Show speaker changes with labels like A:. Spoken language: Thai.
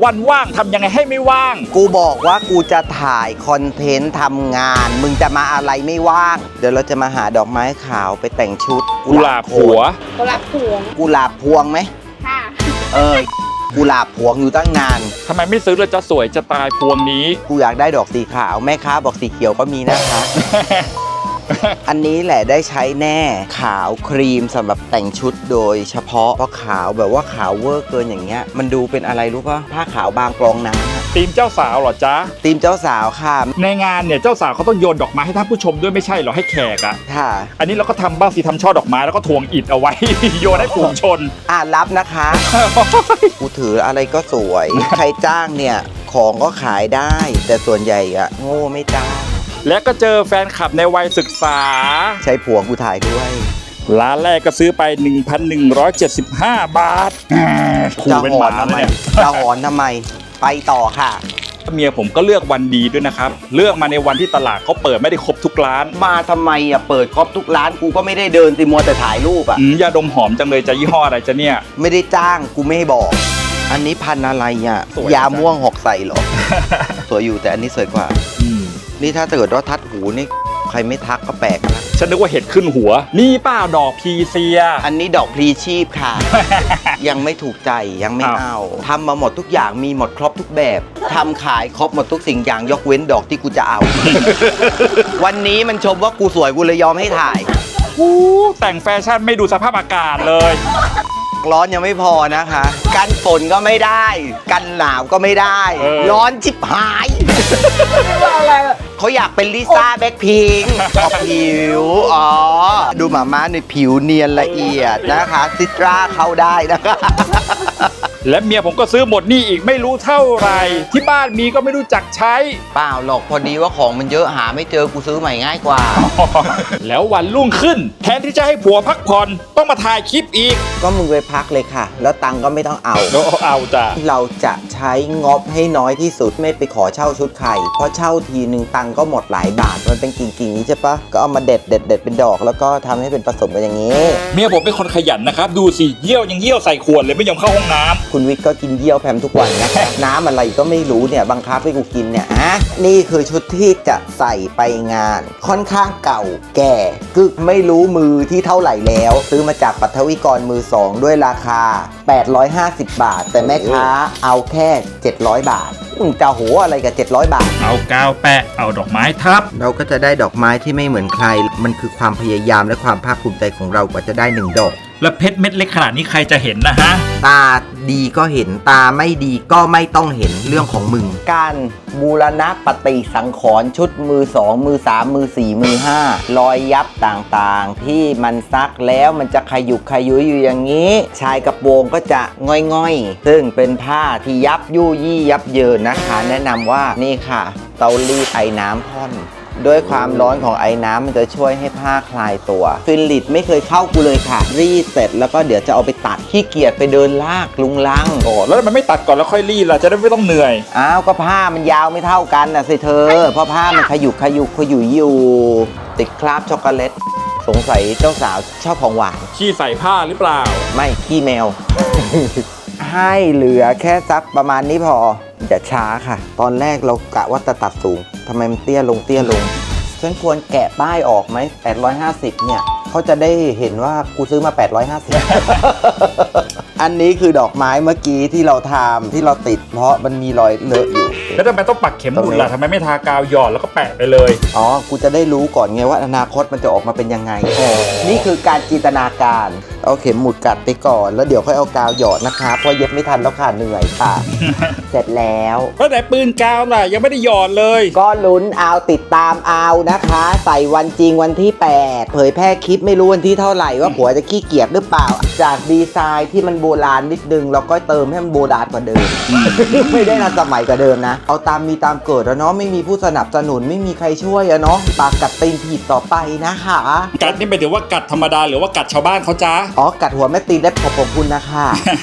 A: วันว่างทำยังไงให้ไม่ว่าง
B: กูบอกว่ากูจะถ่ายคอนเทนต์ทำงาน มึงจะมาอะไรไม่ว่าง เดี๋ยวเราจะมาหาดอกไม้ขาวไปแต่งชุด
A: กุหลาบหัว
C: กุหลาบพวง
B: กุหลาบพวงไหม
C: ค่ะ
B: กุหลาบพวงอยู่ตั้งนาน
A: ทำไมไม่ซื้อเลยจะสวยจะตายพวงนี้
B: กูอยากได้ดอกสีขาวแม่ค้าบอกสีเขียวก็มีนะคะ อันนี้แหละได้ใช้แน่ขาวครีมสำหรับแต่งชุดโดยเฉพาะเพราะขาวแบบว่าขาวเวอร์เกินอย่างเงี้ยมันดูเป็นอะไรรู้ป่ะผ้าขาวบางกรองน้ำอะ
A: ทีมเจ้าสาวเหรอจ๊ะ
B: ทีมเจ้าสาวค่ะ
A: ในงานเนี่ยเจ้าสาวเขาต้องโยนดอกไม้ให้ท่านผู้ชมด้วยไม่ใช่เหรอให้แขกอะ
B: ค่ะ
A: อันนี้เราก็ทำบ้างสิทำช่อดอกไม้แล้วก็ทวงอิฐเอาไว้ โยนให้ฝูงชน
B: รับนะคะ กูถืออะไรก็สวย ใครจ้างเนี่ยของก็ขายได้ แต่ส่วนใหญ่อะโง่ไม่จ้าง
A: และก็เจอแฟนคลับในวัยศึกษา
B: ใช้ผัวกูถ่ายด้วย
A: ร้านแรกก็ซื้อไป 1,175 บาทขู่
B: จะ
A: เป็น
B: ห
A: ห
B: อ
A: มาน
B: ทำไม
A: เนี่ย
B: จะหอนทำไม ไปต่อค่ะ
A: เมียผมก็เลือกวันดีด้วยนะครับ เลือกมาในวันที่ตลาดเขาเปิดไม่ได้ครบทุกร้าน
B: มาทำไมอะเปิดครบทุกร้านกูก็ไม่ได้เดินสิมัวแต่ถ่ายรูปอะ
A: ยาดมหอมจังเลยจะยี่ห้ออะไรจะเนี่ย
B: ไม่ได้จ้างกูไม่ให้บอก อันนี้พันธุ์อะไรอะ
A: สวย
B: ยาม่วงหอกใส่เหรอ สวยอยู่แต่อันนี้สวยกว่า นี่ถ้าเกิดว่าทัดหูนี่ใครไม่ทักก็แปลกนะ
A: ฉันนึกว่าเห็ดขึ้นหัว นี่เปล่าดอกพีเซีย
B: อันนี้ดอกพลีชีพค่ะ ยังไม่ถูกใจยังไม่
A: อ้าว
B: เอาทำมาหมดทุกอย่างมีหมดครบทุกแบบทำขายครบหมดทุกสิ่งอย่างยกเว้นดอกที่กูจะเอา วันนี้มันชมว่ากูสวยกูเลยยอมให้ถ่าย
A: แต่งแฟชั่นไม่ดูสภาพอากาศเลย
B: ร้อนยังไม่พอนะคะ กันฝนก็ไม่ได้ กันหนาวก็ไม่ได้
A: เออ
B: ร้อนชิบหายเขาอยากเป็นลิซ่าแบ็คพิงค์ผิวดูหมาม้าในผิวเนียนละเอียดนะคะซิตราเข้าได้นะคะ
A: และเมียผมก็ซื้อหมดนี่อีกไม่รู้เท่าไหร่ ที่บ้านมีก็ไม่รู้จักใช้
B: เปล่าหรอกพอดีว่าของมันเยอะหาไม่เจอกูซื้อใหม่ง่ายกว่า
A: แล้ววันรุ่งขึ้น แทนที่จะให้ผัวพักผ่อนต้องมาถ่ายคลิปอีก
B: ก็มึงไปพักเลยค่ะ แล้วตังค์ก็ไม่ต้องเอา
A: เอาจ้ะ
B: เราจะใช้งบให้น้อยที่สุดไม่ไปขอเช่าชุดไข่เพราะเช่าทีนึงตังค์ก็หมดหลายบาทมันเป็นกิ่งๆนี้ใช่ปะก็เอามาเด็ดเป็นดอกแล้วก็ทำให้เป็นผสมกันอย่างนี้
A: เมียผมเป็นคนขยันนะครับ ดูสิเยี่ยวยังเยี่ยวใส่ขวดเลยไม่ยอมเข้าห้องน้ำ
B: คุณวิทย์ก็กินเยี่ยวแพมทุกวันนะคะ น้ำอะไรก็ไม่รู้เนี่ยบังคับให้กูกินเนี่ยนี่คือชุดที่จะใส่ไปงาน ค่อนข้างเก่าแก่กึกไม่รู้มือที่เท่าไหร่แล้ว ซื้อมาจากปัทวิกรมือสองด้วยราคา 850 บาท แต่แม่ค้าเอาแค่ 700 บาทมึงจะโหอะไรกับ 700 บาท
A: เอากาวแปะเอาดอกไม้ทับ
B: เราก็จะได้ดอกไม้ที่ไม่เหมือนใคร มันคือความพยายามและความภาคภูมิใจของเรากว่าจะได้1ดอก
A: แล้วเพชรเม็ดเล็กขนาดนี้ใครจะเห็นนะฮะ
B: ตาดีก็เห็นตาไม่ดีก็ไม่ต้องเห็นเรื่องของมึง การบูรณะปฏิสังขรณ์ชุดมือ2มือ3มือ4มือ5รอยยับต่างๆ ที่มันซักแล้วมันจะขยุกขยุยอยู่อย่างนี้ ชายกระโปรงก็จะง่อยๆ ซึ่งเป็นผ้าที่ยับยู่ยี่ยับเยินนะคะ แนะนำว่านี่ค่ะเตารีดไอ้น้ำพ่อน ด้วยความร้อนของไอ้น้ำมันจะช่วยให้ผ้าคลายตัวฟิลลิตไม่เคยเข้ากูเลยค่ะ รีดเสร็จแล้วก็เดี๋ยวจะเอาไปตัดขี้เกียจไปเดินลากลุงลัง
A: โอ้แล้วมันไม่ตัดก่อนแล้วค่อยรีดล่ะจะได้ไม่ต้องเหนื่อย
B: อ้าวก็ผ้ามันยาวไม่เท่ากันนะสิเธอ เพราะผ้ามันขยุกอยู่ ติดคราบช็อกโกแลตสงสัยเจ้าสาวชอบของหวาน
A: ขี้ใส่ผ้าหรือเปล่า
B: ไม่ขี้แมว ให้เหลือแค่สักประมาณนี้พออย่าช้าค่ะ ตอนแรกเรากะว่าจะตัดสูงทำไมมันเตี้ยลงฉันควรแกะป้ายออกไหม850เนี่ยเขาจะได้เห็นว่ากูซื้อมา850 อันนี้คือดอกไม้เมื่อกี้ที่เราทำที่เราติดเพราะมันมีรอยเลอะอยู่
A: แล้วทำไมต้องปักเข็มหมุดล่ะทำไมไม่ทากาวหยอดแล้วก็แปะไปเลย
B: อ๋อ กูจะได้รู้ก่อนไงว่าอนาคตมันจะออกมาเป็นยังไง นี่คือการจินตนาการ เอาเข็มหมุดกัดไปก่อน แล้วเดี๋ยวค่อยเอากาวหยอดนะคะเพราะเย็บไม่ทันแล้วค่ะเหนื่อยค่ะ เสร็จแล้ว
A: แล้วไหนปืนกาวล่ะยังไม่ได้หยอดเลย
B: ก็ลุ้นเอาติดตามเอานะคะ ใส่วันจริงวันที่ 8 เผยแพร่คลิปไม่รู้วันที่เท่าไหร่ว่าผัวจะขี้เกียจหรือเปล่า จากดีไซน์ที่มันโบราณนิดนึงเราก็เติมให้มันโบราณกว่าเดิม ไม่ได้ทันสมัยกว่าเดิมนะ เอาตามมีตามเกิดแล้วเนาะไม่มีผู้สนับสนุนไม่มีใครช่วยอะเนาะปากกัดตีนผิดต่อไปนะคะ
A: กัดนี่หมายถึงว่ากัดธรรมดาหรือว่ากัดชาวบ้านเขาจ้า
B: อ๋อกัดหัวแม่ตีนได้ขอบคุณนะคะ